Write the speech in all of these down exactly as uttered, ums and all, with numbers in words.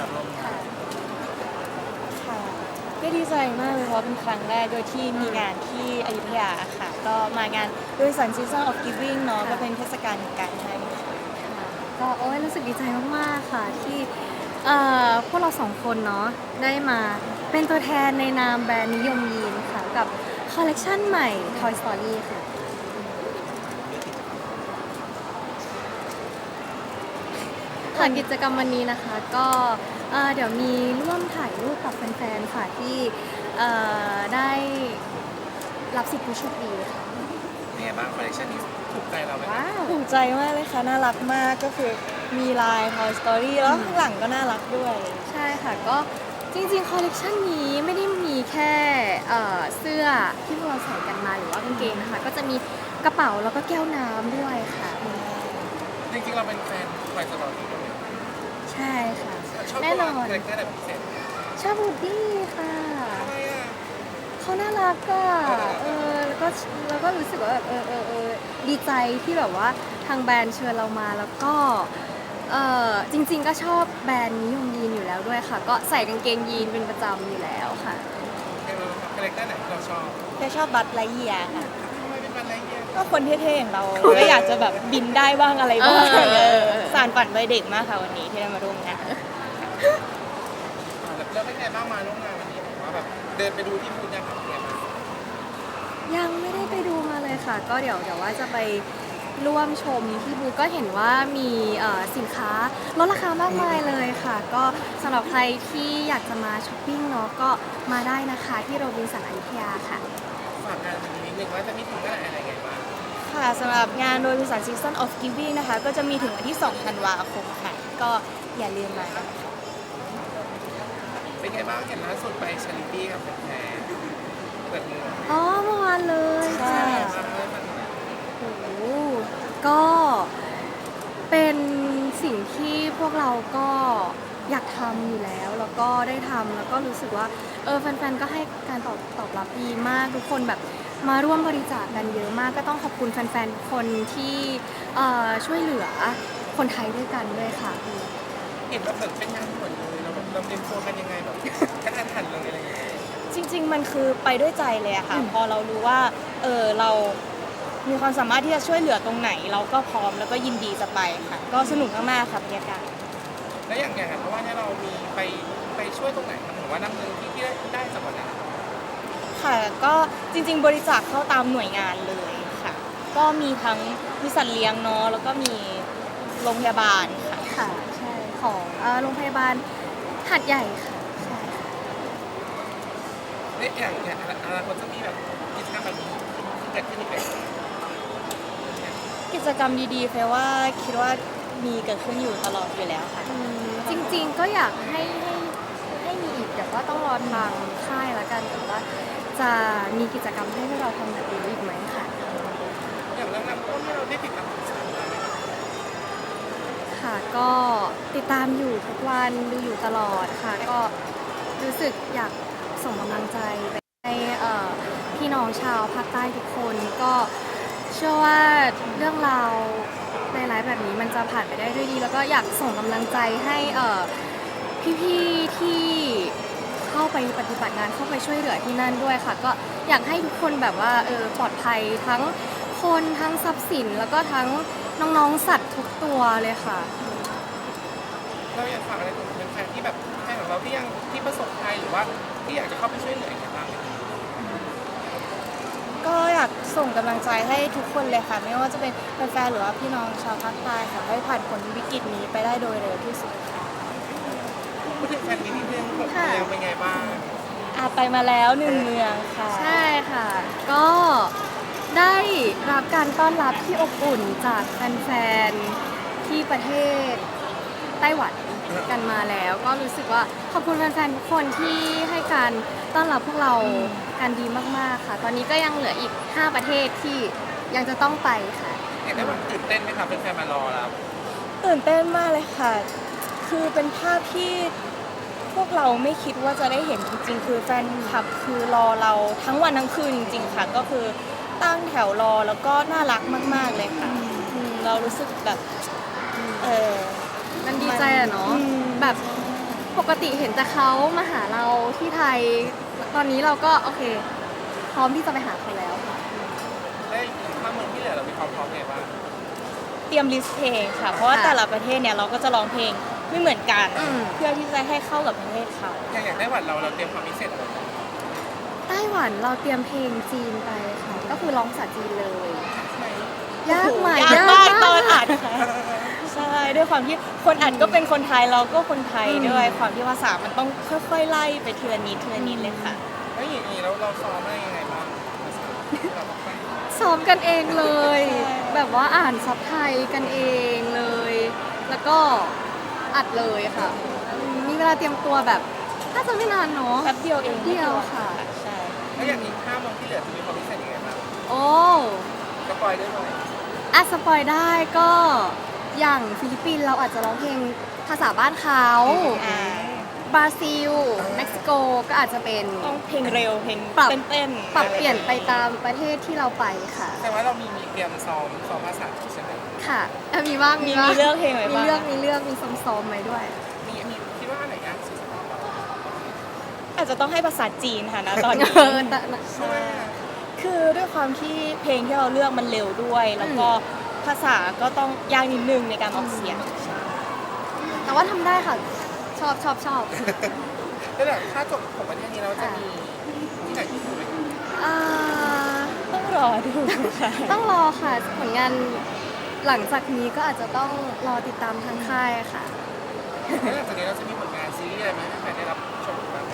ร่วมงานค่ะก็ดีใจมากเลยเพราะเป็นครั้งแรกโดยที่มีงานที่อยุธยาค่ะก็มางานโดยสัน Season of Giving เนาะก็เป็นเทศกาลแห่งการให้ค่ะก็โอ้ยรู้สึกดีใจมากๆค่ะที่เอ่อพวกเราสองคนเนาะได้มาเป็นตัวแทนในนามแบรนด์นิยมยีนค่ะกับคอลเลกชันใหม่ Toy Story ค่ะค่ะกิจกรรมวันนี้นะคะก็เอ่อเดี๋ยวมีร่วมถ่ายรูปกับแฟนๆค่ะที่เอ่อได้รับสิทธิ์ผู้โชคดีค่ะเป็นไงบ้างคอลเลคชันนี้ถูกใจเราไหมว้าวภูมิใจมากเลยค่ะน่ารักมากก็คือมีลาย Toy Story แล้วข้างหลังก็น่ารักด้วยใช่ค่ะก็จริงๆคอลเลกชันนี้ไม่ได้มีแค่เอ่อเสื้อที่พวกเราใส่กันมาหรือว่ากางเกงนะคะก็จะมีกระเป๋าแล้วก็แก้วน้ำด้วยค่ะจริงๆเราเป็นแฟนคอยสตอรี่ด้วยใช่ค่ะชอบแน่นอนคาแรคเตอร์อะไรพิเศษชอบบูดดี้ค่ะทำไมอ่ะเขาน่ารักอะเออแล้วก็แล้วก็รู้สึกว่าแบบเออเออเออดีใจที่แบบว่าทางแบรนด์เชิญเรามาแล้วก็เออจริงๆก็ชอบแบรนด์นิยมยีนอยู่แล้วด้วยค่ะ ก็ใส่กางเกงยีนเป็นประจำอยู่แล้วค่ะคาแรคเตอร์ไหนที่เราชอบแค่ชอบบัตไลเยียค่ะทำไมเป็นอะไรเงี้ยก็คนเท่ๆอย่างเราก็อยากจะแบบบินได้บ้างอะไรบ้างเออเออสานฝันวัยเด็กมากค่ะวันนี้ที่ได้มาร่วมงานแล้วเป็นไงบ้างมาร่วมงานวันนี้ผมว่าแบบเดินไปดูที่บูธยังครับเป็นไงบ้างยังไม่ได้ไปดูมาเลยค่ะ ก็เดี๋ยวเดี๋ยวว่าจะไปร่วมชมที่บูธก็เห็นว่ามีเอ่อสินค้าลดราคามากมายเลยค่ะ ก็สำหรับใครที่อยากจะมาช้อปปิ้งเนาะก็มาได้นะคะที่โรบินสันอยุธยาค่ะฝากงานวันนี้นิดนึงว่าจะมีถึงเมื่อไหร่อะไรไงบ้างค่ะสำหรับงานโดยบริษัท Season of Giving นะคะก็จะมีถึงวันที่สองธันวาคมค่ะ ก็อย่าลืมมานะคะเป็นไงบ้างเห็นล่าสุดไปชาริตี้กับแฟนเปิดหมวกอ๋อเมื่อวานเลยใช่ค่ะใช่ครับโอ้โหก็เป็นสิ่งที่พวกเราก็อยากทำอยู่แล้ว แล้วก็ได้ทำแล้วก็รู้สึกว่าเออแฟนๆก็ให้การตอบตอบรับดีมากทุกคนแบบมาร่วมบริจาคกันเยอะมาก ก็ต้องขอบคุณแฟนๆทุกคนที่เอ่อช่วยเหลือคนไทยด้วยกันด้วยค่ะเห็นว่าเหมือนเป็นงานด่วนเลยเราแบบเราเตรียมตัวกันยังไงแบบกระทันหันเลยอะไรอย่างเงี้ยจริงๆ มันคือไปด้วยใจเลยอะค่ะอืมพอเรารู้ว่าเออเรามีความสามารถที่จะช่วยเหลือตรงไหน เราก็พร้อมแล้วก็ยินดีจะไปค่ะ ก็สนุกมากๆค่ะบรรยากาศแล้วอย่างอย่างเพราะว่าเนี่ยเรามีไปไปช่วยตรงไหนครับหรือว่านำเงินที่ที่ได้ได้จากวันนั้นค่ะก็จริงๆ บริจาคเข้าตามหน่วยงานเลยค่ะ ก็มีทั้งมีสัตว์เลี้ยงเนาะแล้วก็มีโรงพยาบาลค่ะค่ะใช่ของเอ่อโรงพยาบาลหัดใหญ่ค่ะใช่ค่ะเนี่ยอย่างอย่างอนาคตจะมีแบบกิจกรรมแบบนี้เกิดขึ้นอีกไหมกิจกรรมดีๆเฟยว่าคิดว่ามีเกิดขึ้นอยู่ตลอดอยู่แล้วค่ะอืมจริงๆก็อยากให้ให้ให้มีอีกแต่ว่าต้องรอทางค่ายละกันแต่ว่าจะมีกิจกรรมให้พวกเราทำแบบนี้อีกไหมค่ะอย่างเรื่องน้ำท่วมที่เราได้ติดตามข่าวสารมาไหมค่ะก็ติดตามอยู่ทุกวันดูอยู่ตลอดค่ะ ก็รู้สึกอยากส่งกำลังใจไปให้เอ่อพี่น้องชาวภาคใต้ทุกคนก็เชื่อว่าเรื่องราวในไลฟ์แบบนี้มันจะผ่านไปได้ด้วยดี แล้วก็อยากส่งกำลังใจให้เอ่อพี่ๆที่เข้าไปปฏิบัติงานเข้าไปช่วยเหลือที่นั่นด้วยค่ะ ก็อยากให้ทุกคนแบบว่าเออปลอดภัยทั้งคนทั้งทรัพย์สิน แล้วก็ทั้งน้องๆสัตว์ทุกตัวเลยค่ะเราอยากฝากอะไรถึงแฟนๆที่แบบแฟนของเราที่ยังที่ประสบภัยหรือว่าที่อยากจะเข้าไปช่วยเหลืออย่างไรบ้างไหมก็อยากส่งกำลังใจให้ทุกคนเลยค่ะ ไม่ว่าจะเป็นแฟนๆหรือว่าพี่น้องชาวภาคใต้ค่ะให้ผ่านพ้นวิกฤตนี้ไปได้โดยเร็วที่สุดค่ะพูดถึงแฟนมีนิดนึงผมค่ะยังเป็นไงบ้างอาไปมาแล้วหนึ่งเมืองค่ะใช่ค่ะ ก็ได้รับการต้อนรับที่อบอุ่นจากแฟนๆที่ประเทศไต้หวันกันมาแล้ว ก็รู้สึกว่าขอบคุณแฟนๆทุกคนที่ให้การต้อนรับพวกเรากันดีมากๆค่ะ ตอนนี้ก็ยังเหลืออีกห้าประเทศที่ยังจะต้องไปค่ะอยากได้แบบตื่นเต้นไหมครับเป็นแฟนมารอแล้วตื่นเต้นมากเลยค่ะ คือเป็นภาพที่พวกเราไม่คิดว่าจะได้เห็นจริงๆ คือแฟนคลับคือรอเราทั้งวันทั้งคืนจริงๆ ค่ะ ก็คือตั้งแถวรอแล้วก็น่ารักมากๆเลยค่ะอืมเรารู้สึกแบบเออมันดีใจอะเนาะอืมแบบปกติเห็นแต่เขามาหาเราที่ไทย ตอนนี้เราก็โอเค พร้อมที่จะไปหาเขาแล้วค่ะได้ถ้าเมืองที่เหลือเรามีความพร้อมไงบ้างเตรียมลิสต์เพลงค่ะ เพราะว่าค่ะแต่ละประเทศเนี่ยเราก็จะร้องเพลงไม่เหมือนกันอืมเพื่อที่จะให้เข้ากับประเทศเขาอย่างอย่างไต้หวันเราเราเตรียมความพิเศษอะไรบ้างไต้หวันเราเตรียมเพลงจีนไปค่ะ ก็คือร้องภาษาจีนเลยใช่ยากไหมยากมากตอนอัดค่ะใช่ด้วยความที่คนอัดก็เป็นคนไทยเราก็คนไทยด้วยความที่ภาษามันต้องค่อยๆไล่ไปทีละนิดทีละนิดเลยค่ะแล้วอย่างนี้เราเราซ้อมได้ยังไงบ้างเราบอกไปซ้อมกันเองเลยใช่แบบว่าอ่านซับไทยกันเองเลย แล้วก็อัดเลยค่ะอืมมีเวลาเตรียมตัวแบบน่าจะไม่นานเนาะแป๊บเดียวเองเดียวค่ะใช่แล้วอย่างนี้ห้าเมืองที่เหลือจะมีความพิเศษยังไงบ้างโอ้สปอยได้ไหมอะสปอยได้ก็อย่างฟิลิปปินส์เราอาจจะร้องเพลงภาษาบ้านเขาอ่าบราซิล เม็กซิโกก็อาจจะเป็นต้องเพลงเร็วเพลงปรับเต้นๆปรับเปลี่ยนไปตามประเทศที่เราไปค่ะแต่ว่าเรามีมีเตรียมซ้อมซ้อมภาษาใช่ไหมค่ะเอ่อมีบ้างมีบ้างมีเลือกเพลงไว้มีบ้างเลือกมีเลือกมีซ้อมๆไว้ด้วยมีมีคิดว่าอันไหนยากสุดสำหรับเราอาจจะต้องให้ภาษาจีนค่ะนะตอนนี้เออแต่ใช่ไหมคือด้วยความที่เพลงที่เราเลือกมันเร็วด้วย แล้วก็ภาษาก็ต้องยากนิดนึงในการออกเสียงแต่ว่าทำได้ค่ะ ชอบชอบชอบแล้วแบบถ้าจบของประเทศนี้เราจะมีที่ไหนที่ไหมอ่าต้องรอดูค่ะต้องรอค่ะผลงานหลังจากนี้ก็อาจจะต้องรอติดตามทางค่ายค่ะแล้วหลังจากนี้เราจะมีผลงานซีรีส์อะไรไหมให้แฟนได้รับชมบ้างไหม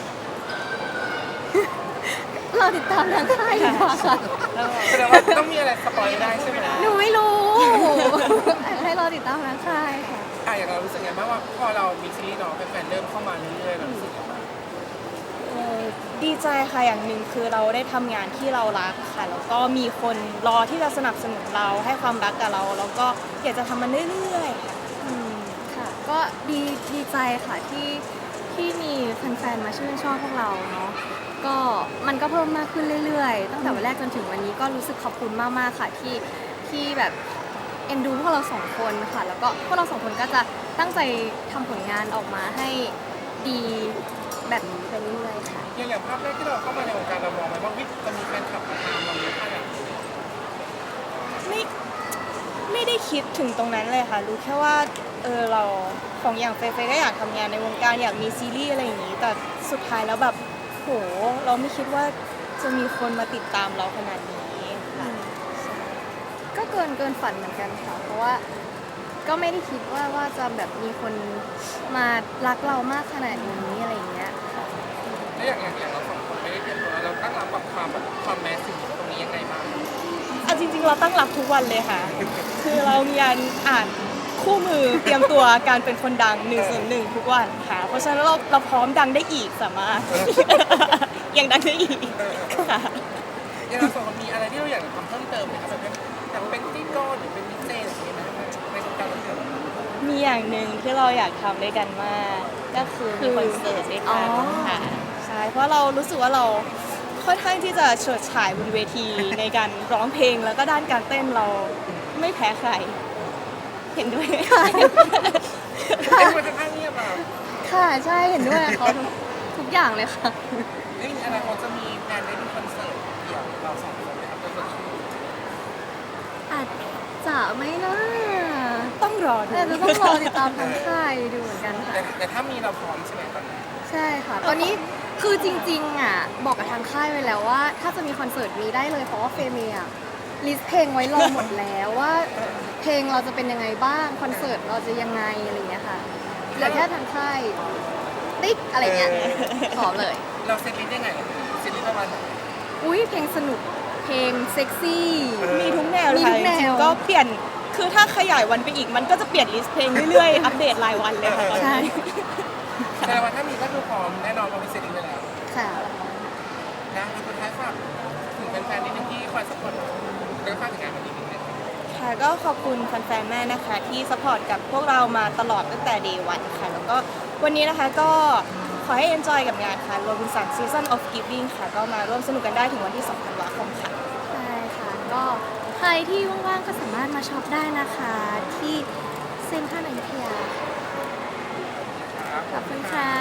รอติดตามทางค่ายดีกว่าค่ะแสดงว่าต้องมีอะไรสปอยได้ใช่ไหมหนูไม่รู้ ให้รอติดตามทางค่ายค่ะอ่ะอย่างเรารู้สึกไงบ้างว่าพอเรามีซีรีส์เนาะแฟนๆเริ่มเข้ามาเรื่อยๆเรารู้สึกยังไงบ้างเอ่อดีใจค่ะอย่างหนึ่งคือเราได้ทำงานที่เรารักค่ะ แล้วก็มีคนรอที่จะสนับสนุนเราให้ความรักกับเรา แล้วก็อยากจะทำมันเรื่อยๆค่ะอืมค่ะ ก็ดีดีใจค่ะที่ที่มีแฟนๆมาชื่นชอบพวกเราเนาะก็มันก็เพิ่มมากขึ้นเรื่อยๆ ตั้งแต่วันแรกจนถึงวันนี้ก็รู้สึกขอบคุณมากๆค่ะที่ที่แบบเอ็นดูพวกเราสองคนค่ะ แล้วก็พวกเราสองคนก็จะตั้งใจทำผลงานออกมาให้ดีแบบนี้ไปเรื่อยๆค่ะอย่างอย่างภาพแรกที่เราเข้ามาในวงการเรามองไหมว่าวิจะมีแฟนคลับมาตามเราเยอะขนาดนี้ไม่ไม่ได้คิดถึงตรงนั้นเลยค่ะ รู้แค่ว่าเออเราของอย่างเฟย์เฟย์ก็อยากทำงานในวงการอยากมีซีรีส์อะไรอย่างนี้ แต่สุดท้ายแล้วแบบโหเราไม่คิดว่าจะมีคนมาติดตามเราขนาดนี้ค่ะใช่ก็เกินเกินฝันเหมือนกันค่ะ เพราะว่าก็ไม่ได้คิดว่าว่าจะแบบมีคนมารักเรามากขนาดนี้อะไรอย่างเงี้ยค่ะแล้วอย่างอย่างอย่างเราสองคนไม่ได้เตรียมตัวเราตั้งรับกับความแบบความแมสสิ่งตรงนี้ยังไงบ้างเอาจริงๆเราตั้งรับทุกวันเลยค่ะ คือเรามีการอ่านคู่มือเตรียมตัวการเป็นคนดังหนึ่งส่วนหนึ่งทุกวันค่ะ เพราะฉะนั้นเราเราพร้อมดังได้อีกสามารถ ยังดังได้อีกค่ะอย่างเราสองคนมีอะไรที่เราอยากจะทำเพิ่มเติมไหมครับแบบเป็นอยากเป็นพิธีกรหรือเป็นดีเจอะไรอย่างเงี้ยไหมในวงการบันเทิงมีอย่างหนึ่งที่เราอยากทำด้วยกันมาก ก็คือมีคอนเสิร์ตด้วยกันค่ะใช่เพราะเรารู้สึกว่าเราค่อนข้างที่จะเฉิดฉายบนเวทีในการร้องเพลงแล้วก็ด้านการเต้นเราไม่แพ้ใคร เห็นด้วยไหมคะเอ้ยมันจะข้างเงียบอ่ะค่ะใช่เห็นด้วยกับเขาทุกทุกอย่างเลยค่ะนี่อนาคตจะมีแพลนได้ดูคอนเสิร์ตเดี่ยวเราสองคนไหมครับก็จะชื่ออาจจะไม่นะต้องรอดูแต่จะต้องรอติดตามทางค่ายดูเหมือนกันค่ะแต่แต่ถ้ามีเราพร้อมใช่ไหมตอนนี้ใช่ค่ะ ตอนนี้คือจริงๆอ่ะบอกกับทางค่ายไว้แล้วว่า ถ้าจะมีคอนเสิร์ตมีได้เลยเพราะว่าเฟย์เมียลิสต์เพลงไว้รอหมดแล้วว่าเพลงเราจะเป็นยังไงบ้างคอนเสิร์ตเราจะยังไงอะไรอย่างเงี้ยค่ะเหลือแค่ทางค่ายติ๊กอะไรเงี้ยพร้อมเลยเราเซตลิสต์ยังไงเซตลิสต์ประมาณไหนอุ้ยเพลงสนุกเพลงเซ็กซี่มีทุกแนวเลยค่ะมีทุกแนวจริงๆก็เปลี่ยนคือถ้าขยายวันไปอีกมันก็จะเปลี่ยนลิสต์เพลงเรื่อยๆ อัปเดตรายวันเลยค่ะตอนใช่นี้แสดงว่าถ้ามีก็คือพร้อมแน่นอนเรามีเซตลิสต์ไปแล้วค่ะนะแล้วสุดท้ายฝากถึงแฟนๆนิดนึงที่คอยสปอร์ตแล้วก็ฝากถึงงานวันนี้นิดนึงค่ะก็ขอบคุณแฟนๆแม่นะคะ ที่สปอร์ตกับพวกเรามาตลอดตั้งแต่ day one ค่ะ แล้วก็วันนี้นะคะก็ขอให้ enjoy กับงานค่ะ Robinson Season of Giving ค่ะ ก็มาร่วมสนุกกันได้ถึงวันที่สองธันวาคมค่ะใช่ค่ะ ก็ใครที่ว่างๆก็สามารถมาช็อปได้นะคะ ที่เซ็นทรัลอยุธยาครับขอบคุณค่ะ